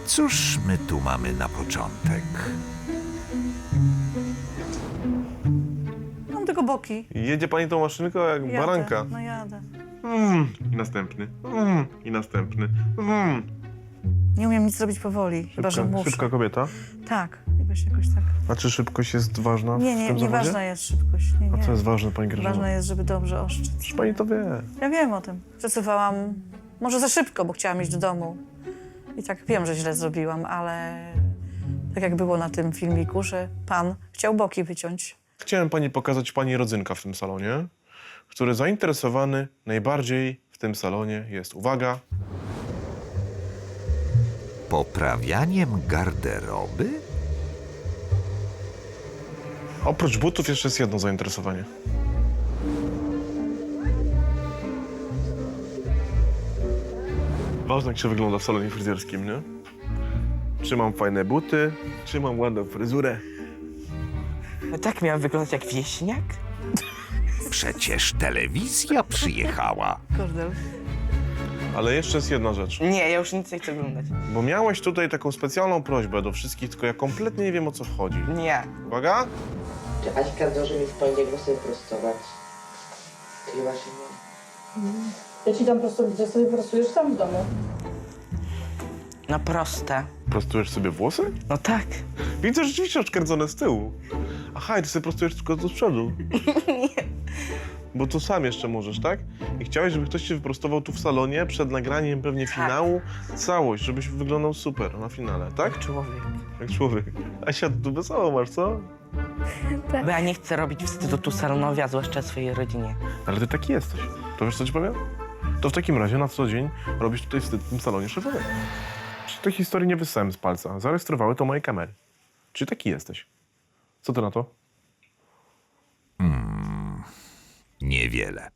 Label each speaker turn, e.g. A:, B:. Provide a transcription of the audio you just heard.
A: Cóż my tu mamy na początek?
B: Mam tylko boki.
C: Jedzie pani tą maszynką jak
B: Jadę,
C: baranka.
B: no jadę.
C: I następny. I następny.
B: Nie umiem nic zrobić powoli, chyba że muszę.
C: Szybka kobieta.
B: Tak, jakoś tak.
C: A czy szybkość jest ważna w tym zawodzie?
B: Nieważna jest szybkość. Nie.
C: A co jest ważne, pani Grażyna?
B: Ważne jest, żeby dobrze oszczędzić.
C: Przecież pani to wie.
B: Ja wiem o tym. Przesuwałam może za szybko, bo chciałam iść do domu. I tak wiem, że źle zrobiłam, ale tak jak było na tym filmiku, że pan chciał boki wyciąć.
C: Chciałem pani pokazać pani rodzynka w tym salonie, który zainteresowany najbardziej w tym salonie jest, uwaga,
A: Poprawianiem garderoby?
C: oprócz butów jeszcze jest jedno zainteresowanie. Ważne, jak się wygląda w salonie fryzjerskim, nie? Czy mam fajne buty, czy mam ładną fryzurę.
D: No tak miał wyglądać jak wieśniak?
A: Przecież telewizja przyjechała.
B: Kordel.
C: Ale jeszcze jest jedna rzecz,
D: Nie, ja już nic nie chcę oglądać.
C: bo miałeś tutaj taką specjalną prośbę do wszystkich, tylko ja kompletnie nie wiem, o co chodzi.
D: Nie.
C: Uwaga!
E: Czy Aśka zdąży mi w poniedziałek włosy prostować? Chyba się nie.
F: Ja ci dam prostownicę, sobie prostujesz sam w domu.
D: No proste.
C: Prostujesz sobie włosy?
D: No tak.
C: Widzę rzeczywiście odkręcone z tyłu. Aha, i ty sobie prostujesz tylko tu z przodu. Bo tu sam jeszcze możesz, tak? I chciałeś, żeby ktoś cię wyprostował tu w salonie przed nagraniem pewnie finału. Całość, żebyś wyglądał super na finale, tak?
D: Człowiek.
C: Jak człowiek. Asia, tu wesoło masz, co?
D: Bo ja nie chcę robić wstydu tu salonowi, a zwłaszcza swojej rodzinie.
C: Ale ty taki jesteś. To wiesz, co ci powiem? To w takim razie na co dzień robisz tutaj wstyd w tym salonie szefowym. Czy tej historii nie wyssałem z palca? Zarejestrowały to moje kamery. Czy taki jesteś? Co ty na to?
A: Niewiele.